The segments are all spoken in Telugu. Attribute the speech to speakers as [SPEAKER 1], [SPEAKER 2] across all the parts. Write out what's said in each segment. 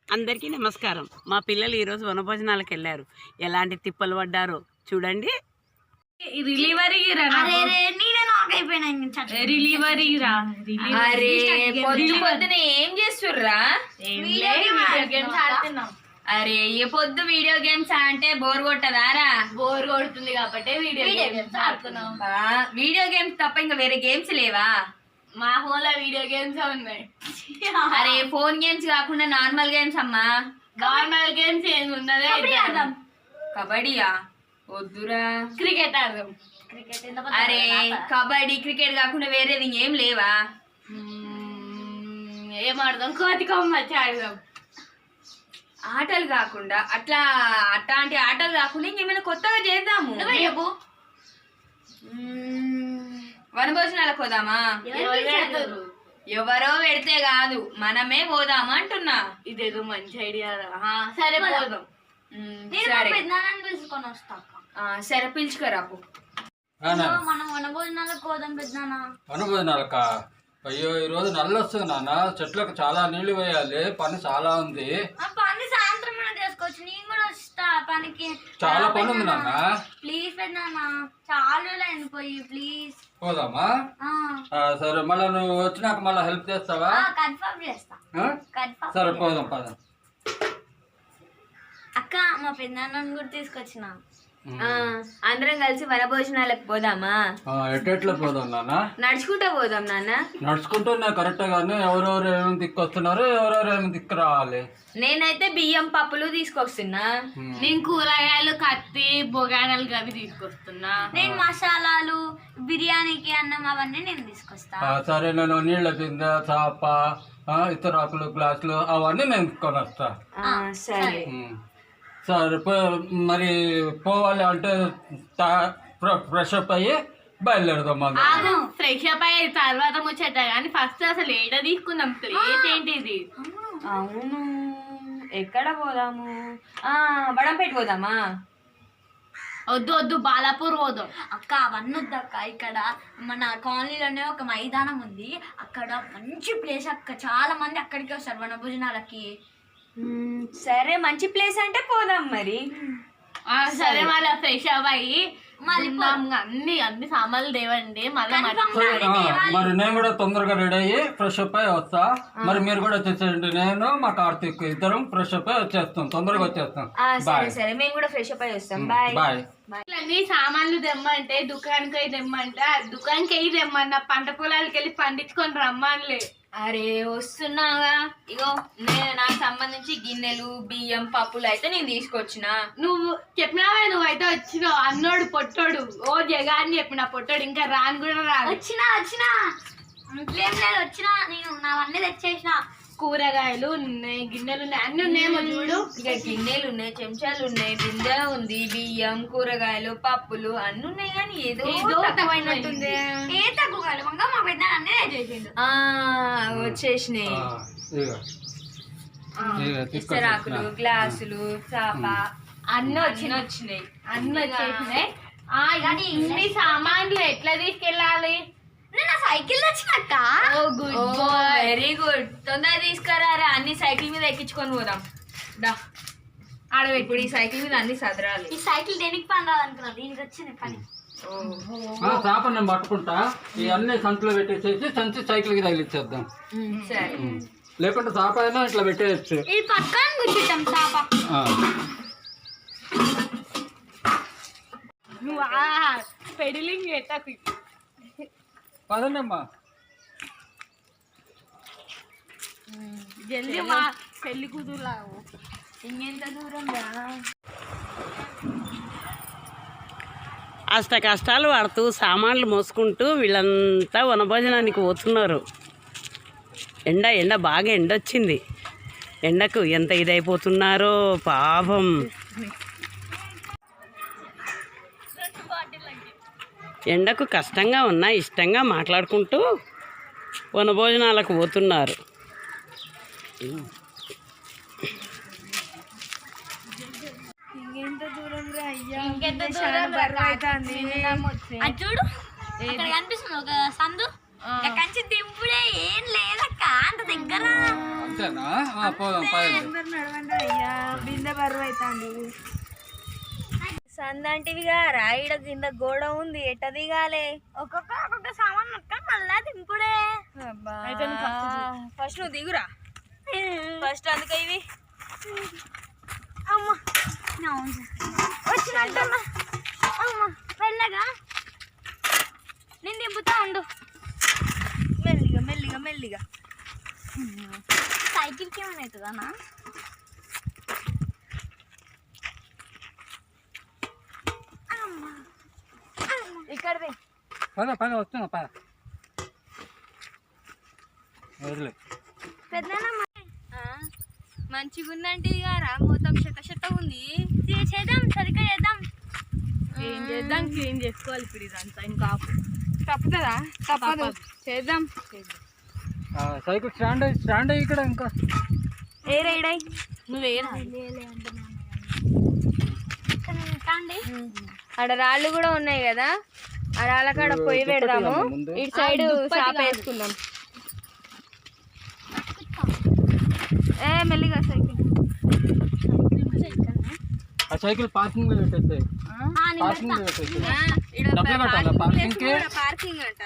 [SPEAKER 1] అందరికీ నమస్కారం. మా పిల్లలు ఈరోజు వనభోజనాలకు వెళ్ళారు. ఎలాంటి తిప్పలు పడ్డారో చూడండి.
[SPEAKER 2] పొద్దున ఏం చేస్తుర్రా? అరే ఏ పొద్దు వీడియో గేమ్స్ అంటే బోర్ కొట్టదారా?
[SPEAKER 3] బోర్ కొడుతుంది కాబట్టి వీడియో గేమ్స్ ఆడుతున్నాం.
[SPEAKER 2] వీడియో గేమ్స్ తప్ప ఇంకా వేరే గేమ్స్ లేవా?
[SPEAKER 3] మా ఫోన్ లో వీడియో గేమ్స్ ఉన్నాయి.
[SPEAKER 2] అరే ఫోన్ గేమ్స్ కాకుండా నార్మల్ గేమ్స్ అమ్మా.
[SPEAKER 3] నార్మల్ గేమ్స్ ఏమి ఉన్నదే.
[SPEAKER 2] కబడ్డీయా? వద్దురా.
[SPEAKER 3] క్రికెట్ ఆడదాం.
[SPEAKER 2] అరే కబడ్డీ క్రికెట్ కాకుండా వేరేది ఏం లేవా?
[SPEAKER 3] ఏం ఆడదాం? కోతి కొమ్మచ్చి ఆడదాం.
[SPEAKER 2] ఆటలు కాకుండా అట్లాంటి ఆటలు కాకుండా ఇంకేమైనా కొత్తగా చేద్దాము. వనభోజనాలకు పోదామా? ఎవరో పెడితే కాదు, మనమే పోదామా అంటున్నా.
[SPEAKER 3] ఇదేదో మంచి ఐడియా. సరే పోదాం.
[SPEAKER 2] సరే పిలుచుకోరాపు.
[SPEAKER 4] మనం వనభోజనాలకు పోదాం పెద్దనా.
[SPEAKER 5] వనభోజనాలకా? అయ్యో ఈరోజు నల్లు వస్తుంది నాన్న, చెట్లకు చాలా నీళ్లు వేయాలి, పని చాలా ఉంది.
[SPEAKER 4] పని సాయంత్రం చేసుకోవచ్చు, నేను కూడా వస్తా పనికి.
[SPEAKER 5] చాలా పని ఉంది నాన్న.
[SPEAKER 4] ప్లీజ్ పెద్దనా, చాలా అయిపోయి ప్లీజ్
[SPEAKER 5] పోదామా? సరే, మళ్ళీ నువ్వు వచ్చినాక మళ్ళీ హెల్ప్ చేస్తావా?
[SPEAKER 4] కన్ఫర్మ్ చేస్తా.
[SPEAKER 5] సరే పోదాం పదాం.
[SPEAKER 4] అక్క మా పెద్దనాన్నని కూడా తీసుకొచ్చిన.
[SPEAKER 2] అందరం కలిసి వనభోజనాలకు పోదామా?
[SPEAKER 5] ఎట్లా పోదాం నాన్న?
[SPEAKER 2] నడుచుకుంటా పోదాం నాన్న.
[SPEAKER 5] నడుచుకుంటూనే కరెక్ట్ గానే ఎవరెవరు ఏమేమి దిక్కొస్తున్నారు, ఎవరెవరు ఏమి దిక్కు రావాలి.
[SPEAKER 2] నేనైతే బియ్యం పప్పులు తీసుకొస్తున్నా.
[SPEAKER 3] నేను కూరగాయలు, కత్తి, బొగానలు అవి తీసుకొస్తున్నా.
[SPEAKER 4] నేను మసాలాలు, బిర్యానీకి అన్నం అవన్నీ నేను తీసుకొస్తా.
[SPEAKER 5] సరే, నేను నీళ్ళ బిందె, చాప, ఇతరాకులు, గ్లాసులు అవన్నీ నేను తీసుకొని వస్తా.
[SPEAKER 2] సరే
[SPEAKER 5] సరే, మరి పోవాలి అంటే ఫ్రెష్ అప్ అయ్యి బయలుదేరదాం.
[SPEAKER 3] ఫ్రెష్ అప్ అయ్యే తర్వాత ముచ్చట, కానీ ఫస్ట్ అసలు ఏడ తీసుకుందాం? ప్లేస్ ఏంటిది?
[SPEAKER 2] అవును, ఎక్కడ పోదాము? వడంపేట పోదామా?
[SPEAKER 3] వద్దు వద్దు, బాలాపూర్ పోదాం.
[SPEAKER 4] అక్క అవన్నీ వద్దక్క, ఇక్కడ మన కాలనీలోనే ఒక మైదానం ఉంది, అక్కడ మంచి ప్లేస్ అక్క, చాలా మంది అక్కడికి వస్తారు వనభోజనాలకి.
[SPEAKER 2] సరే మంచి ప్లేస్ అంటే పోదాం మరి.
[SPEAKER 3] సరే మళ్ళీ ఫ్రెష్ అవ్వాలి, మళ్ళీ అన్ని సామాన్లు దేవండి.
[SPEAKER 5] మరి నేను కూడా తొందరగా రెడీ అయ్యి ఫ్రెష్ అప్ అయ్యి వస్తా. మరి మీరు కూడా వచ్చేసేయండి, నేను మా కార్తీక్ ఇద్దరం ఫ్రెష్ అప్ అయ్యి వచ్చేస్తాం, తొందరగా వచ్చేస్తాం.
[SPEAKER 2] సరే మేము కూడా ఫ్రెష్ అప్ అయ్యి వస్తాం. బాయ్.
[SPEAKER 3] అన్ని సామాన్లు తెమ్మంటే దుకాణానికి అయి తెమ్మంటే దుకాణానికి అయి తెమ్మన్నా, పంట పొలాలకి వెళ్ళి పండించుకొని రమ్మనిలే.
[SPEAKER 2] అరే వస్తున్నాగా, ఇగో నేను నాకు సంబంధించి గిన్నెలు, బియ్యం, పప్పులు అయితే నేను తీసుకొచ్చిన.
[SPEAKER 3] నువ్వు చెప్పినావే, నువ్వైతే వచ్చినావు. అన్నోడు పొట్టోడు ఓ జగా అని చెప్పిన, పొట్టోడు ఇంకా రాను కూడా రాను.
[SPEAKER 4] వచ్చినా ఇంట్లేం లేదు, వచ్చినా నేను నావన్నీ తెచ్చేసిన.
[SPEAKER 3] కూరగాయలు ఉన్నాయి, గిన్నెలు ఉన్నాయి, అన్ని ఉన్నాయేమో చూడు.
[SPEAKER 2] ఇక గిన్నెలు ఉన్నాయి, చెంచాలు ఉన్నాయి, బిందె ఉంది, బియ్యం, కూరగాయలు, పప్పులు అన్ని ఉన్నాయి, కానీ ఏదో తక్కువైనట్టుంది.
[SPEAKER 4] ఏ తక్కువ కాదు, మా పెద్ద అన్నీ తెచ్చేసిండు.
[SPEAKER 2] వచ్చేసినాయి ఇస్తరాకులు, గ్లాసులు, చాప అన్ని వచ్చినాయి.
[SPEAKER 3] అన్ని వచ్చేసినాయి. కానీ ఇన్ని సామాన్లు ఎట్లా తీసుకెళ్ళాలి?
[SPEAKER 4] నేను సైకిల్ తెచ్చినక్క.
[SPEAKER 2] వెరీ గుడ్, తొందరగా తీసుకురారా, అన్ని సైకిల్ మీద ఎక్కించుకొని పోదాం. ఇప్పుడు ఈ సైకిల్ మీద అన్ని సదరాలి.
[SPEAKER 4] ఈ సైకిల్ దేనికి పని రాదనుకున్నా, దీనికి వచ్చిన పని.
[SPEAKER 5] చాప నేను పట్టుకుంటా, ఇవన్నీ సంచులో పెట్టేసేసి సంచి సైకిల్ కి తగిలిచ్చేద్దాం.
[SPEAKER 2] సరే,
[SPEAKER 5] లేకుంటే చాప అయినా ఇట్లా పెట్టేయచ్చు.
[SPEAKER 4] ఇది పట్టుకొని కూర్చుంటాం చాప.
[SPEAKER 3] నువ్వు పెడిలింగ్ ఎట్టకు
[SPEAKER 5] పదండమ్మా.
[SPEAKER 3] జల్దీ మా పెళ్లి కూతురులాగా.
[SPEAKER 2] ఇంకెంత దూరం రా?
[SPEAKER 1] అష్ట కష్టాలు పడుతూ సామాన్లు మోసుకుంటూ వీళ్ళంతా వనభోజనానికి పోతున్నారు. ఎండ బాగా ఎండొచ్చింది. ఎండకు ఎంత ఇదైపోతున్నారో పాపం. ఎండకు కష్టంగా ఉన్నా ఇష్టంగా మాట్లాడుకుంటూ వనభోజనాలకు పోతున్నారు.
[SPEAKER 4] చూడు అక్కడ కనిపిస్తుంది ఒక సందు, కంచి దింపుడే ఏం లేదక్క, అంత దగ్గర
[SPEAKER 5] అంతేనా పోదాం పదండి.
[SPEAKER 2] నడవండి అయ్యా, బిందె బరువు అవుతుంది. సందంటివిగా రాయిడ కింద గోడ ఉంది, ఎట్ట దిగాలే?
[SPEAKER 4] ఒక్కొక్క సామాన్ పట్టుకొని మళ్ళా దింపుడే.
[SPEAKER 2] ఫస్ట్ నువ్వు దిగురా ఫస్ట్, అందుకే ఇవి
[SPEAKER 4] అమ్మా వచ్చినట్టమ్మా. అమ్మా వెళ్ళగా నేను దింపుతా ఉండు.
[SPEAKER 2] మెల్లిగా మెల్లిగా మెల్లిగా.
[SPEAKER 4] సైకిల్కి ఏమైనా అవుతుందన్నా?
[SPEAKER 2] ఇక్కడది
[SPEAKER 5] పద వస్తున్నా పద వదిలే.
[SPEAKER 2] మంచిగా ఉందంటే రా, మొత్తం చెత్త ఉంది.
[SPEAKER 4] చేద్దాం, సరిగ్గా చేద్దాం.
[SPEAKER 3] ఏం చేద్దాం, క్లీన్ చేసుకోవాలి ఇప్పుడు ఇదంతా. ఇంకా తప్పుతుందా? తప్పదు, చేద్దాం.
[SPEAKER 5] సైకిల్ స్టాండ్ అయ్యి ఇక్కడ ఇంకా
[SPEAKER 3] నువ్వేనా?
[SPEAKER 2] ఆడ రాళ్ళు కూడా ఉన్నాయి కదా, ఆ రాళ్ళ కాడ పొయ్యి పెడదాము. ఇటు సైడ్ చాప వేసుకుందాం. మెల్లిగా సైకిల్
[SPEAKER 5] ఆ సైకిల్ పార్కింగ్ లో పెట్టేస్తాయి. పార్కింగ్ లో పెట్టేస్తాయి. డబ్బులు కట్టాలా పార్కింగ్ కి?
[SPEAKER 2] పార్కింగ్ అంట.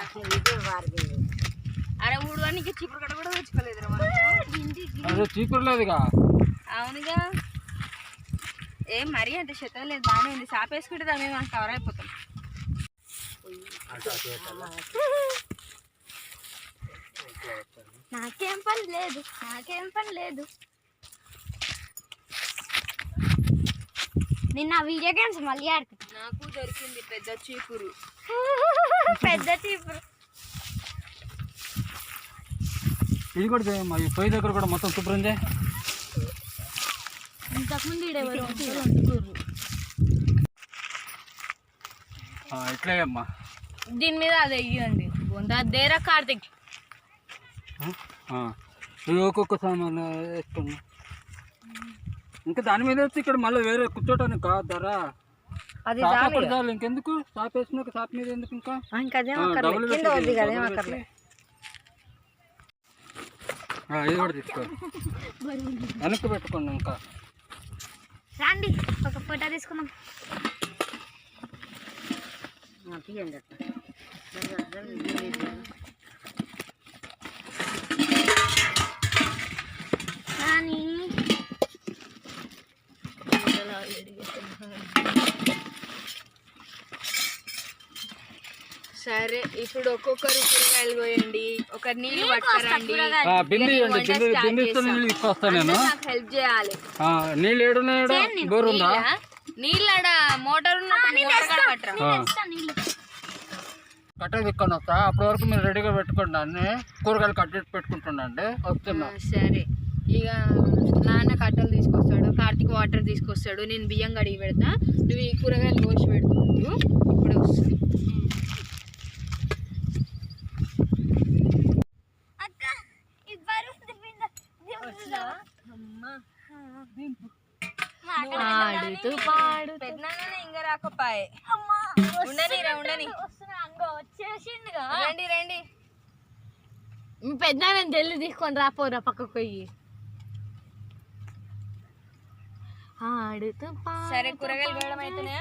[SPEAKER 2] అరే ఊడు అని చీపురు కట్ట కూడా తెచ్చుకోలేదు.
[SPEAKER 5] అదే చీపురు లేదుగా.
[SPEAKER 2] అవునుగా, ఏం మరీ అంత శతం లేదు, బాగానే ఉంది. చాప వేసుకుంటే దాని మీద కవర్ అయిపోతాం.
[SPEAKER 4] నాకేం పని లేదు. నిన్న వీడియో గేమ్స్ మళ్ళీ ఆడుకుంటా.
[SPEAKER 2] నాకు దొరికింది పెద్ద చీపురు.
[SPEAKER 4] పెద్ద చీపురు.
[SPEAKER 5] ఇది కూడా చేయమ్మా. ఈ పొయ్యి దగ్గర కూడా మొత్తం శుభ్రం చేయి.
[SPEAKER 4] ఇంతకుముందు
[SPEAKER 5] ఇట్లే అమ్మా.
[SPEAKER 3] దీని మీద అది వెయ్యండి. దేరా కార్తిక్,
[SPEAKER 5] ఇవి ఒక్కొక్క సామాన్లు వేసుకున్నా. ఇంకా దాని మీద వచ్చి ఇక్కడ మళ్ళీ వేరే కూర్చోటానికి కాదు ధర. చాలు ఇంకెందుకు, చాప వేసినాక చాప మీద ఎందుకు ఇంకా ఇది కూడా తీసుకో, వెనక్కి పెట్టుకోండి. ఇంకా
[SPEAKER 4] రండి ఒక ఫోటో తీసుకుందాం.
[SPEAKER 2] సరే, ఇప్పుడు ఒక్కొక్కరు కూరగాయలు పోయండి, ఒకరు నీళ్ళు పట్టుకురండి.
[SPEAKER 5] నీళ్ళు తీసుకొస్తాను నేను.
[SPEAKER 2] నాకు హెల్ప్ చేయాలి.
[SPEAKER 5] నీళ్ళు ఏడున్నాయో బోర్ ఉందా?
[SPEAKER 2] నీళ్ళు ఆడ మోటార్
[SPEAKER 5] కట్ట తిక్కొని వస్తా. అప్పటి వరకు మీరు రెడీగా పెట్టుకోండి. అన్ని కూరగాయలు కట్టేసి పెట్టుకుంటున్నాండి. వస్తున్నా.
[SPEAKER 2] సరే, ఇక నాన్న కట్టలు తీసుకొస్తాడు, కార్తీక్ వాటర్ తీసుకొస్తాడు, నేను బియ్యం కడిగి పెడతా, నువ్వు ఈ కూరగాయలు కోసి పెడుతున్నావు. ఇప్పుడే వస్తుంది. పెద్దనాన్న ఇంకా రాకపోయే. ఉండని రండి రండి.
[SPEAKER 3] మీ పెద్ద జల్లి తీసుకొని రాపోరా పక్కకు పోయి.
[SPEAKER 2] సరే, కూరగాయలు వేయడం అయితేనే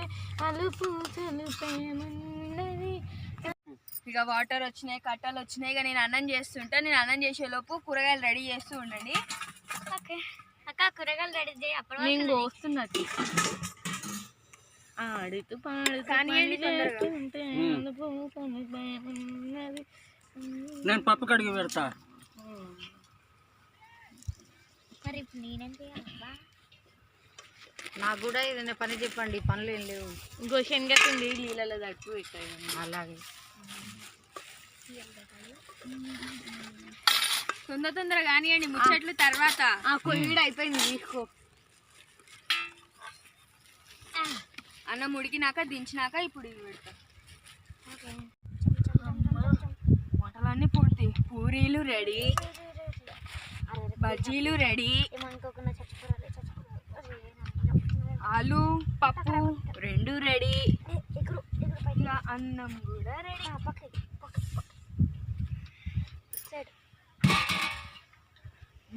[SPEAKER 2] ఇక వాటర్ వచ్చినాయి, కట్టలు వచ్చినాయి. ఇక నేను అన్నం చేస్తుంటా. నేను అన్నం చేసేలోపు కూరగాయలు రెడీ చేస్తూ ఉండండి.
[SPEAKER 4] ఓకే అక్క, కూరగాయలు రెడీ చేయి. అప్పుడు
[SPEAKER 3] నేను వస్తున్నట్టు ఆడుతూ
[SPEAKER 2] కానివ్వండి తొందరగా.
[SPEAKER 5] నేను పప్పు కడిగి పెడతా.
[SPEAKER 4] మరి ఇప్పుడు నేనేం చేయాలబ్బా?
[SPEAKER 3] నాకు కూడా ఏదైనా పని చెప్పండి, పనులు ఏం లేవు. ఇంకో శనగపిండి నీళ్ళలో తట్టు పెట్టాయి. అలాగే
[SPEAKER 2] తొందరగా కానివ్వండి, ముచ్చట్లు తర్వాత.
[SPEAKER 3] కొయ్యడు అయిపోయింది, తీసుకో.
[SPEAKER 2] అన్నం ఉడికినాక దించినాక ఇప్పుడు ఇవి పెడతా. వంటలన్నీ పూర్తి. పూరీలు రెడీ, బజ్జీలు రెడీ, ఆలు పప్పు రెండు రెడీ, ఇంకా అన్నం కూడా రెడీ.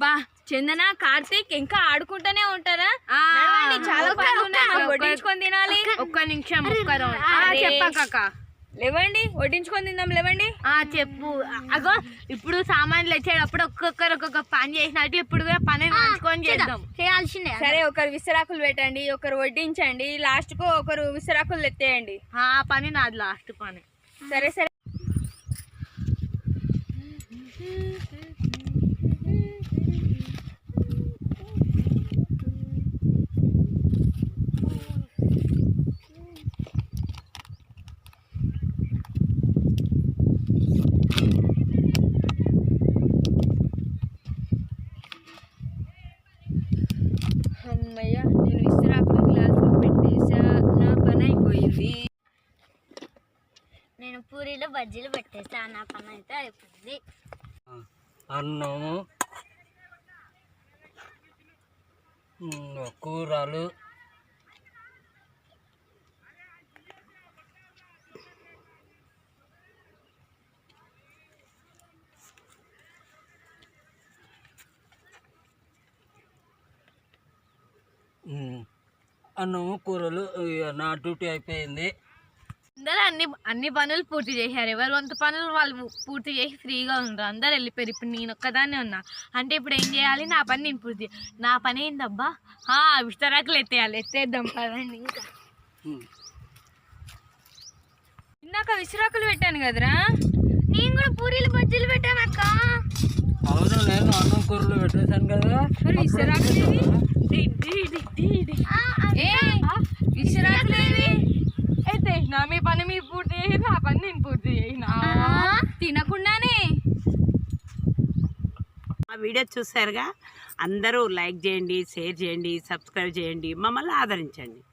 [SPEAKER 2] బా చందన కార్తీక్ ఇంకా ఆడుకుంటూనే ఉంటారా? నడవండి, చాలా పనులు ఉన్నాయి, మాకు వడ్డించుకొని తినాలి. ఒక్క నిమిషం చెప్పాక లేవండి, వడ్డించుకొని తిందాం, లేవండి.
[SPEAKER 3] చెప్పు. అగో ఇప్పుడు సామాన్లు వచ్చేటప్పుడు ఒక్కొక్కరు ఒక్కొక్క పని చేసినట్లు ఇప్పుడు కూడా పని పంచుకొని చేద్దాం.
[SPEAKER 4] చేయాల్సిందే.
[SPEAKER 2] సరే, ఒకరు విస్తరాకులు పెట్టండి, ఒకరు వడ్డించండి, లాస్ట్ కు ఒకరు విస్తరాకులు ఎత్తేయండి.
[SPEAKER 3] ఆ పని నాది లాస్ట్ పని.
[SPEAKER 2] సరే సరే. అమ్మయ్య, నేను విస్తరాకులు గ్లాసులో పెట్టేసా, నా పని అయిపోయింది.
[SPEAKER 4] నేను పూరీలు బజ్జీలు పెట్టేసా, నా పని అయితే అయిపోయింది.
[SPEAKER 5] అన్నము, కూరలు, అన్నము, కూరలు. నా డ్యూటీ అయిపోయింది.
[SPEAKER 3] అందరూ అన్ని పనులు పూర్తి చేశారు. ఎవరు వంత పనులు వాళ్ళు పూర్తి చేసి ఫ్రీగా ఉంటారు. అందరు వెళ్ళిపోయారు. ఇప్పుడు నేను ఒక్కదాన్నే ఉన్నా. అంటే ఇప్పుడు ఏం చేయాలి? నా పని నేను పూర్తి. నా పని ఏందబ్బా? విస్తరాకులు ఎత్తేయాలి. ఎత్తేద్దాం పదండి. ఇంకా
[SPEAKER 2] ఇందాక విస్తరాకులు పెట్టాను కదరా.
[SPEAKER 4] నేను కూడా పూరీలు బజ్జీలు పెట్టాను అక్క.
[SPEAKER 5] అవును, నేను అన్నం కూరలు పెట్టేశాను కదా.
[SPEAKER 2] మరి విస్తరాకులు అయితే నా మీ పని మీరు పూర్తి చేసి నా పని నేను పూర్తి చేసిన తినకుండానే.
[SPEAKER 1] ఆ వీడియో చూసారుగా, అందరూ లైక్ చేయండి, షేర్ చేయండి, సబ్స్క్రైబ్ చేయండి, మమ్మల్ని ఆదరించండి.